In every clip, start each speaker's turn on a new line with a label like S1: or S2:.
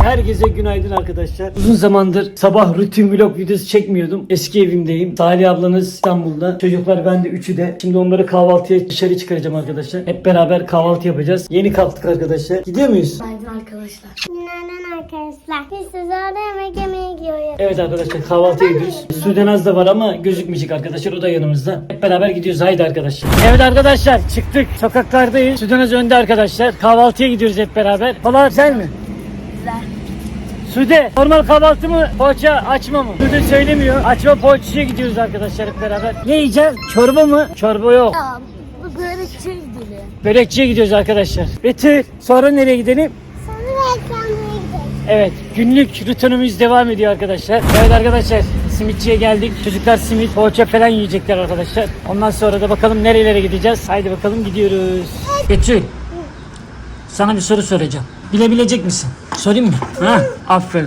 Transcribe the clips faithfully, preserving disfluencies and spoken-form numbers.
S1: Herkese günaydın arkadaşlar. Uzun zamandır sabah rutin vlog videosu çekmiyordum. Eski evimdeyim. Salih ablanız İstanbul'da. Çocuklar ben de üçü de. Şimdi onları kahvaltıya dışarı çıkaracağım arkadaşlar. Hep beraber kahvaltı yapacağız. Yeni kalktık arkadaşlar. Gidiyor muyuz?
S2: Günaydın arkadaşlar. Günaydın arkadaşlar. Biz sizlerle yemek yemeye gidiyoruz.
S1: Evet arkadaşlar kahvaltıya gidiyoruz. Sudenaz da var ama gözükmeyecek arkadaşlar. O da yanımızda. Hep beraber gidiyoruz. Haydi arkadaşlar. Evet arkadaşlar çıktık. Sokaklardayız. Sudenaz önde arkadaşlar. Kahvaltıya gidiyoruz hep beraber. Valla güzel mi?
S2: Güzel.
S1: Sude normal kahvaltı mı? Poğaça açma mı? Sude söylemiyor. Açma poğaçaya gidiyoruz arkadaşlar hep beraber. Ne yiyeceğiz? Çorba mı? Çorba yok.
S2: Ya bu börekçiye gidelim.
S1: Börekçiye gidiyoruz arkadaşlar. Betül sonra nereye gidelim?
S2: Sonra reklamlara gidelim.
S1: Evet günlük rutinimiz devam ediyor arkadaşlar. Evet arkadaşlar simitçiye geldik. Çocuklar simit, poğaça falan yiyecekler arkadaşlar. Ondan sonra da bakalım nerelere gideceğiz. Haydi bakalım gidiyoruz. Betül sana bir soru soracağım. Bilebilecek misin? Sorayım mı? Ha? Aferin.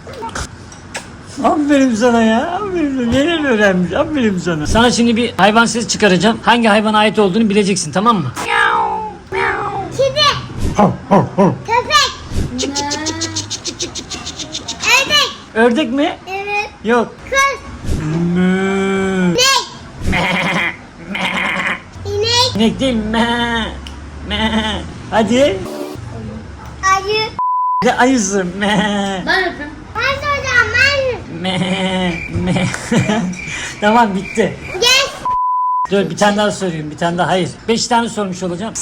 S1: Aferin sana ya. Aferin. Neler öğrenmiş. Aferin sana. Sana şimdi bir hayvan sesi çıkaracağım. Hangi hayvana ait olduğunu bileceksin tamam mı?
S2: Kedi. Köpek.
S1: Çık çık çık çık çık çık çık çık çık çık çık çık çık.
S2: Ördek.
S1: Ördek mi?
S2: Evet.
S1: Yok.
S2: Kız.
S1: Mö.
S2: İnek.
S1: İnek değil. Me. Me. Hadi.
S2: Ayı.
S1: Ne ayısı? Me.
S2: Ben yapayım. Ben soracağım ben.
S1: Me. Me. Tamam bitti.
S2: Gel.
S1: Dur bir tane daha sorayım. Bir tane daha. Hayır. Beş tane sormuş olacağım.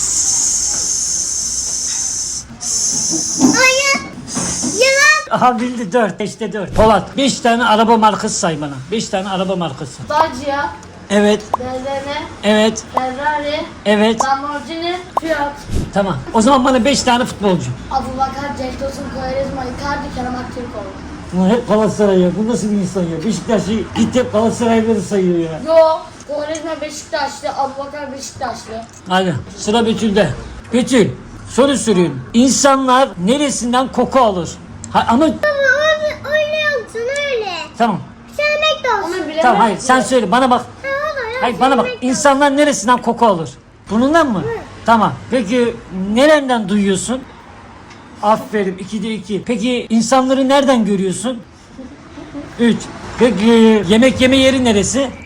S2: Ayı. Yılan.
S1: Aha bildi dört. Beşte dört. Polat. Beş tane araba markası say bana. Beş tane araba markası.
S3: Dacia,
S1: Evet.
S3: B M W,
S1: Evet.
S3: Ferrari,
S1: Evet.
S3: Lamborghini, Fiat,
S1: Tamam. O zaman bana beş tane futbolcu.
S3: Abubakar, Cenk Tosun, Quaresma, Icardi, Kerem Aktürkoğlu.
S1: Bu hep Galatasaray ya. Bu nasıl bir insan ya? Beşiktaş'ı gitti hep Galatasaray'ları sayıyor ya.
S3: Yo, Quaresma Beşiktaşlı, Abubakar Beşiktaşlı.
S1: Hadi sıra Betül'de. Betül soru soruyorum. İnsanlar neresinden koku alır? Ha, ama
S2: Baba öyle, öyle yoksun öyle.
S1: tamam.
S2: Sevmek de olsun.
S3: Onu bilemem.
S1: Tamam hayır sen söyle bana bak.
S2: Ha, olur, ya,
S1: Hayır bana bak.
S2: sevmek de
S1: İnsanlar neresinden koku alır? Burnundan mı? Tamam. Peki nereden duyuyorsun? Aferin. ikide iki. Peki insanları nereden görüyorsun? Üç. Peki yemek yeme yeri neresi?
S2: olsun.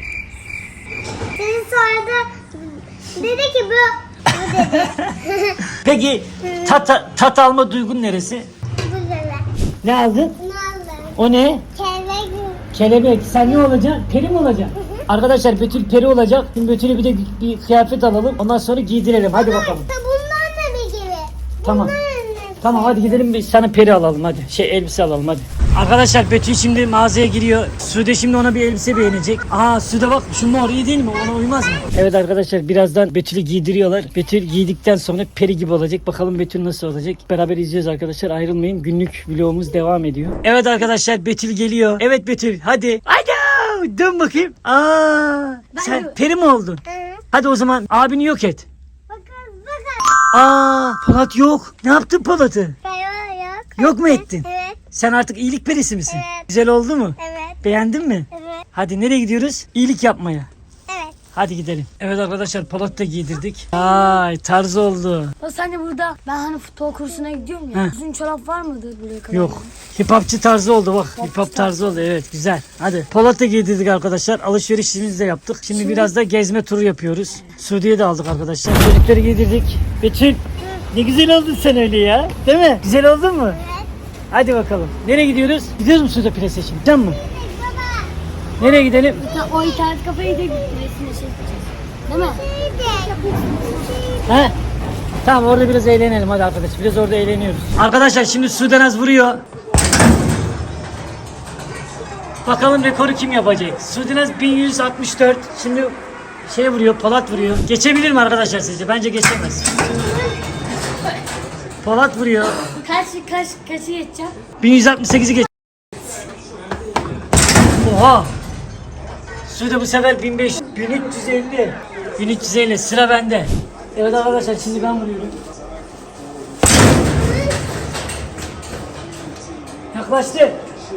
S2: Senin sonra dedi ki bu. Bu dedi.
S1: Peki tat, tat alma duygun neresi?
S2: Bu dedi.
S1: Ne aldın?
S2: Ne oldu?
S1: O ne?
S2: Kelebek.
S1: Kelebek. Sen ne olacaksın? Peri mi olacaksın? Arkadaşlar Betül peri olacak. Şimdi Betül'e bir de bir kıyafet alalım. Ondan sonra giydirelim. Hadi bakalım.
S2: Bundan da bir gibi.
S1: Tamam.
S2: Bundan da.
S1: Tamam hadi gidelim bir sana peri alalım hadi. Şey elbise alalım hadi. Arkadaşlar Betül şimdi mağazaya giriyor. Sude şimdi ona bir elbise beğenecek. Aa Sude bak şu mor iyi değil mi? Ona uymaz mı? Evet arkadaşlar birazdan Betül'ü giydiriyorlar. Betül giydikten sonra peri gibi olacak. Bakalım Betül nasıl olacak? Beraber izliyoruz arkadaşlar. Ayrılmayın. Günlük vlogumuz devam ediyor. Evet arkadaşlar Betül geliyor. Evet Betül hadi. Hadi dön bakayım. Aa sen peri mi oldun?
S2: Hı.
S1: Hadi o zaman abini yok et.
S2: Bakın bakın.
S1: Aa Polat yok. Ne yaptın Polat'ı?
S2: Kayıyor yok.
S1: Yok mu ettin?
S2: Evet.
S1: Sen artık iyilik perisi misin?
S2: Evet.
S1: Güzel oldu mu?
S2: Evet.
S1: Beğendin mi?
S2: Evet.
S1: Hadi nereye gidiyoruz? İyilik yapmaya.
S2: Evet.
S1: Hadi gidelim. Evet arkadaşlar Polat'ı da giydirdik. Ay tarz oldu.
S3: Ya sen de burada, ben hani futbol kursuna gidiyorum ya.
S1: Heh.
S3: Uzun çorap var mıdır buraya kadar?
S1: Yok. Hip hopçı tarzı oldu bak. Hip hop tarzı oldu evet güzel. Hadi Polat'ı giydirdik arkadaşlar. Alışverişimizi de yaptık. Şimdi biraz da gezme turu yapıyoruz. Suudi'ye de aldık arkadaşlar. Çocukları giydirdik. Betül ne güzel oldun sen öyle ya. Değil mi? Güzel oldun mu?
S2: Evet.
S1: Hadi bakalım. Nereye gidiyoruz? Gidiyoruz mu Suudi Plase şimdi? Can mı?
S2: Baba.
S1: Nereye gidelim?
S3: O internet kafayı da resimle şey yapacağız. Değil mi?
S1: He? Tamam orada biraz eğlenelim hadi arkadaş. Biraz orada eğleniyoruz. Arkadaşlar şimdi Sudanaz vuruyor. Bakalım rekoru kim yapacak? Sudanaz bin yüz altmış dört. Şimdi şey vuruyor, Polat vuruyor. Geçebilir mi arkadaşlar sizce? Bence geçemez. Polat vuruyor.
S3: Kaç, kaç, kaçı geçeceğim?
S1: bin yüz altmış sekizi geç. Oha. Sude bu sefer bin beş yüz, bin üç yüz elli. bin üç yüz elli sıra bende. Evet arkadaşlar şimdi ben vuruyorum. Yaklaştı.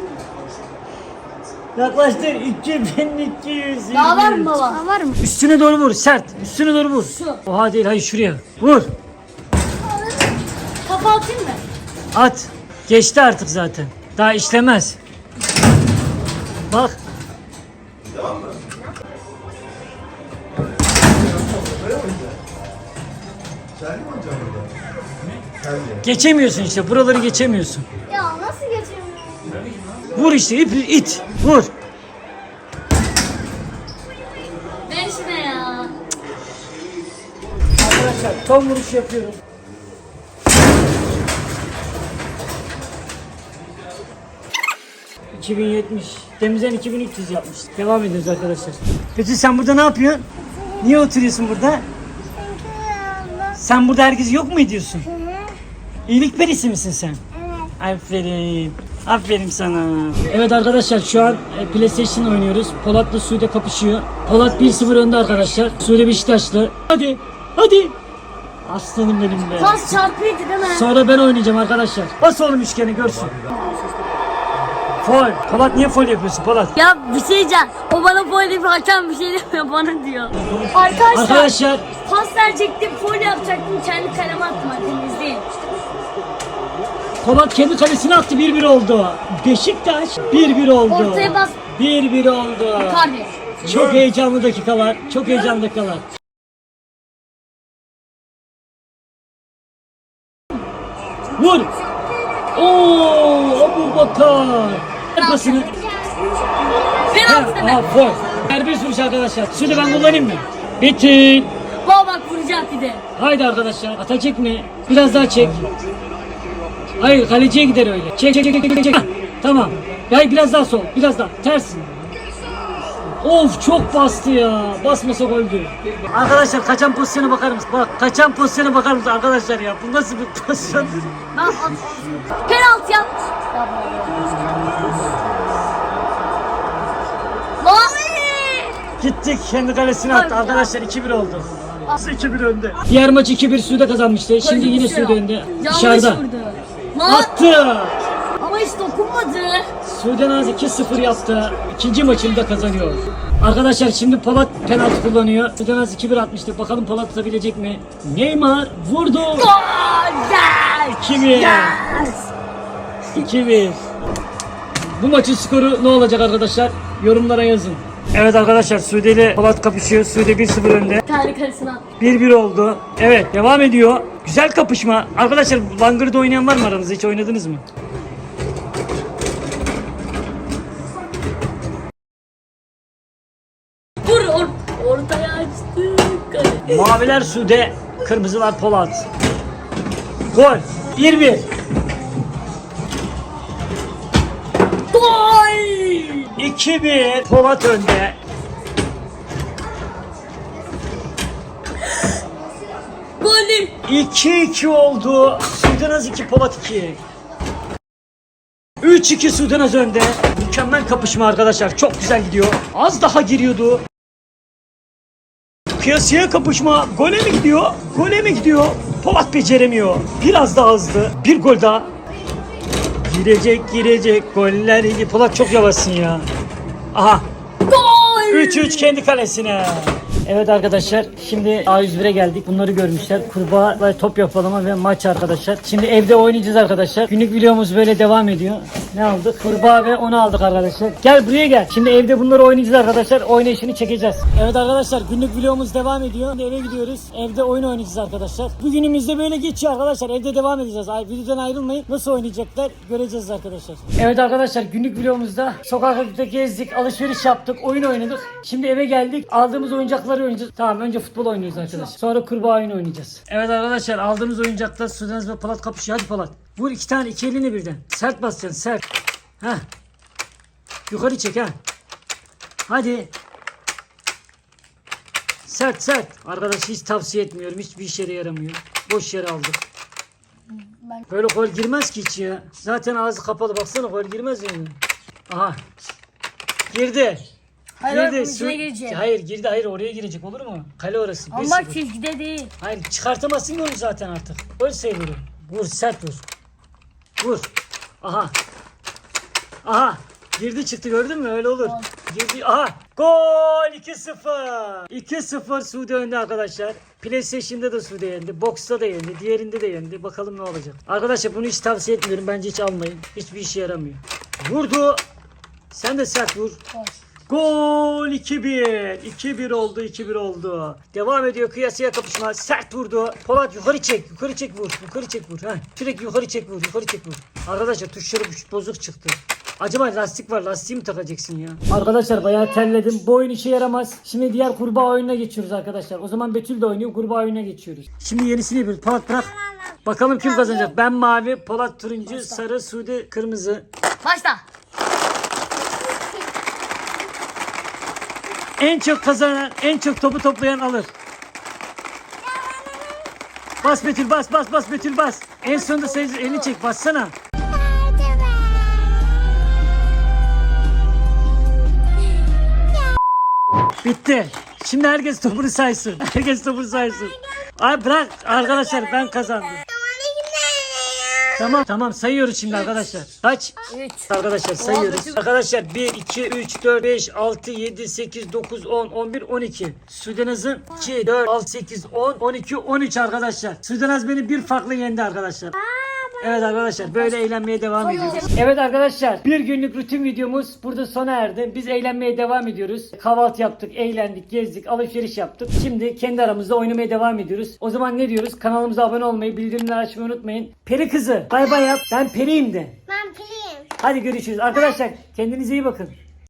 S1: Yaklaştı. iki bin iki yüz.
S3: Daha var mı baba? Daha var mı?
S1: Üstüne doğru vur. Sert. Üstüne doğru vur.
S3: Şu.
S1: Oha değil. Hayır şuraya. Vur.
S3: Kafa atayım mı?
S1: At. Geçti artık zaten. Daha işlemez. Bak.
S4: Devam mı? Sen mi oynayacaksın burada? Sen de.
S1: Geçemiyorsun işte. Buraları geçemiyorsun.
S2: Ya nasıl geçemiyorum?
S1: Vur işte ip it. Vur.
S3: Ver şuna ya.
S1: Arkadaşlar son vuruş yapıyorum. iki bin yetmiş. Temizden iki bin üç yüz yapmış. Devam ediyoruz arkadaşlar. Peki sen burada ne yapıyorsun? Niye oturuyorsun burada? Sen burada herkesi yok mu ediyorsun? İyilik perisi misin sen?
S2: Evet.
S1: Aferin. Aferin sana. Evet arkadaşlar şu an e, PlayStation oynuyoruz. Polat'la Sude kapışıyor. Polat bir sıfır önde arkadaşlar. Sude Beşiktaşlı. Hadi. Hadi. Aslanım benim be.
S3: Pas çarpıydı değil mi?
S1: Sonra ben oynayacağım arkadaşlar. Bas oğlum üçgeni görsün. Fol. Polat niye fol yapıyorsun Polat?
S3: Ya bir şey diyeceğim. O bana foul deyip hakem bir şey demiyor bana diyor. Arkadaşlar,
S1: Arkadaşlar
S3: pas verecektim, foul yapacaktım. Kendi kaleme attım hakkınız değil.
S1: Polat kendi kalesine attı bir bir oldu. Beşiktaş bir bir oldu.
S3: Ortaya bas.
S1: bir bir oldu.
S3: Kardeş.
S1: Çok heyecanlı dakikalar. Çok heyecanlı dakikalar. Vur. Oo, Abu Bakar. Arkasını.
S3: Penaltı değil mi?
S1: Aa, gol. Serbest vuruş arkadaşlar. Şunu ben kullanayım mı? Bitti.
S3: Baba bak vuracak bir de.
S1: Haydi arkadaşlar. Atacak mı? Biraz daha çek. Hayır kaleciye gider öyle. Çek çek çek çek çek. Hah, tamam. Hayır biraz daha sol. Biraz daha. Tersin. Of çok bastı ya. Basmasa goldü. Arkadaşlar kaçan pozisyona bakar mısın? Bak kaçan pozisyona bakar mısın arkadaşlar ya? Bu nasıl bir pozisyon?
S3: Ben at. Penaltı yap. Lan!
S1: Gittik kendi kalesine attı. Arkadaşlar iki bir oldu. iki bir önde. Diğer maç iki bir Sude kazanmıştı. Şimdi yine Sude önde.
S3: Yanlış
S1: Dışarıda.
S3: vurdu. Lan!
S1: Attı.
S3: Ama hiç dokunmadı.
S1: Sude Naz iki sıfır yaptı. İkinci maçını da kazanıyor. Arkadaşlar şimdi Polat penaltı kullanıyor. Sude Naz iki bir atmıştı. Bakalım Polat atabilecek mi? Neymar vurdu.
S3: Gol! Yes!
S1: iki bir.
S3: Yes!
S1: iki bir. Bu maçın skoru ne olacak arkadaşlar? Yorumlara yazın. Evet arkadaşlar Sude ile Polat kapışıyor. Sude bir sıfır önde.
S3: Kendi kalesine at.
S1: bir bir oldu. Evet devam ediyor. Güzel kapışma. Arkadaşlar Langır'da oynayan var mı aranızda? Hiç oynadınız mı?
S3: Vur or ortaya açtık. Kale.
S1: Maviler Sude, kırmızılar Polat. Gol. bir bir.
S3: Gol!
S1: iki bir. Polat önde.
S3: Golü!
S1: iki iki oldu. Sudanaz iki, Polat iki. üç iki Sudanaz önde. Mükemmel kapışma arkadaşlar. Çok güzel gidiyor. Az daha giriyordu. Kıyasıya kapışma. Gole mi gidiyor? Gole mi gidiyor? Polat beceremiyor. Biraz daha hızlı. Bir gol daha. Girecek girecek. Goller. Polat çok yavaşsın ya. Aha.
S3: Gol!
S1: üç üç kendi kalesine. Evet arkadaşlar şimdi A yüz bire geldik. Bunları görmüşler. Kurbağa ve top yapalama ve maç arkadaşlar. Şimdi evde oynayacağız arkadaşlar. Günlük videomuz böyle devam ediyor. Ne aldık? Kurbağa ve onu aldık arkadaşlar. Gel buraya gel. Şimdi evde bunları oynayacağız arkadaşlar. Oynayışını çekeceğiz. Evet arkadaşlar günlük videomuz devam ediyor. Şimdi eve gidiyoruz. Evde oyun oynayacağız arkadaşlar. Bugünümüz de böyle geçiyor arkadaşlar. Evde devam edeceğiz. Ay, videodan ayrılmayın. Nasıl oynayacaklar göreceğiz arkadaşlar. Evet arkadaşlar günlük videomuzda sokakta gezdik, alışveriş yaptık, oyun oynadık. Şimdi eve geldik. Aldığımız oyuncakları oynayacağız. Tamam önce futbol oynuyoruz arkadaşlar. Sonra kurbağa oyunu oynayacağız. Evet arkadaşlar aldığımız oyuncaklar Sudanaz ve Polat kapışıyor. Hadi Polat. Vur iki tane iki elini birden. Sert basacaksın sert. Heh. Yukarı çek ha. Hadi. Sert sert. Arkadaş hiç tavsiye etmiyorum. Hiçbir işe yaramıyor. Boş yere aldık. Böyle gol girmez ki hiç ya. Zaten ağzı kapalı. Baksana gol girmez yani. Aha. Girdi.
S3: Hayır,
S1: girdi.
S3: bunun içine
S1: Su-
S3: girecek.
S1: Hayır girdi. Hayır oraya girecek olur mu? Kale orası.
S3: Ama
S1: bir
S3: bak
S1: sıfır.
S3: çizgide değil.
S1: Hayır çıkartamazsın ki onu zaten artık. Gol sayılır. Vur sert vur. Vur. Aha. Aha. Girdi çıktı gördün mü? Öyle olur. Girdi. Aha. Gol iki sıfır. iki sıfır Suudi önde arkadaşlar. PlayStation'da da Sude yendi. Box'ta da yendi. Diğerinde de yendi. Bakalım ne olacak. Arkadaşlar bunu hiç tavsiye etmiyorum. Bence hiç almayın. Hiçbir işe yaramıyor. Vurdu. Sen de sert vur. Gol iki bir. iki bir oldu. iki bir oldu. Devam ediyor kıyasıya kapışma. Sert vurdu. Polat yukarı çek. Yukarı çek vur. Yukarı çek vur. Heh. Sürekli yukarı çek vur. Yukarı çek vur. Arkadaşlar tuşları bozuk çıktı. Acaba lastik var. Lastiği mi takacaksın ya? Arkadaşlar bayağı terledim. Bu oyun işe yaramaz. Şimdi diğer kurbağa oyununa geçiyoruz arkadaşlar. O zaman Betül de oynuyor. Kurbağa oyununa geçiyoruz. Şimdi yenisini yapıyoruz. Polat bırak. Bakalım kim kazanacak. Ben mavi, Polat turuncu, sarı, Sude kırmızı.
S3: Başla.
S1: En çok kazanan, en çok topu toplayan alır. Bas Betül bas bas bas Betül bas. En sonunda sayı elini çek bassana. Bitti. Şimdi herkes topunu saysın. Herkes topunu saysın. Ay bırak arkadaşlar ben kazandım. Tamam tamam sayıyoruz şimdi arkadaşlar. Kaç?
S3: üç.
S1: Arkadaşlar sayıyoruz. Arkadaşlar bir, iki, üç, dört, beş, altı, yedi, sekiz, dokuz, on, on bir, on iki. Sudenaz'ın iki, dört, altı, sekiz, on, on iki, on üç arkadaşlar. Sudenaz beni bir farklı yendi arkadaşlar. Evet arkadaşlar böyle eğlenmeye devam ediyoruz. Evet arkadaşlar bir günlük rutin videomuz burada sona erdi. Biz eğlenmeye devam ediyoruz. Kahvaltı yaptık, eğlendik, gezdik, alışveriş yaptık. Şimdi kendi aramızda oynamaya devam ediyoruz. O zaman ne diyoruz? Kanalımıza abone olmayı, bildirimleri açmayı unutmayın. Peri kızı bay bay yap. Ben periyim de.
S2: Ben piliyim.
S1: Hadi görüşürüz. Arkadaşlar kendinize iyi bakın.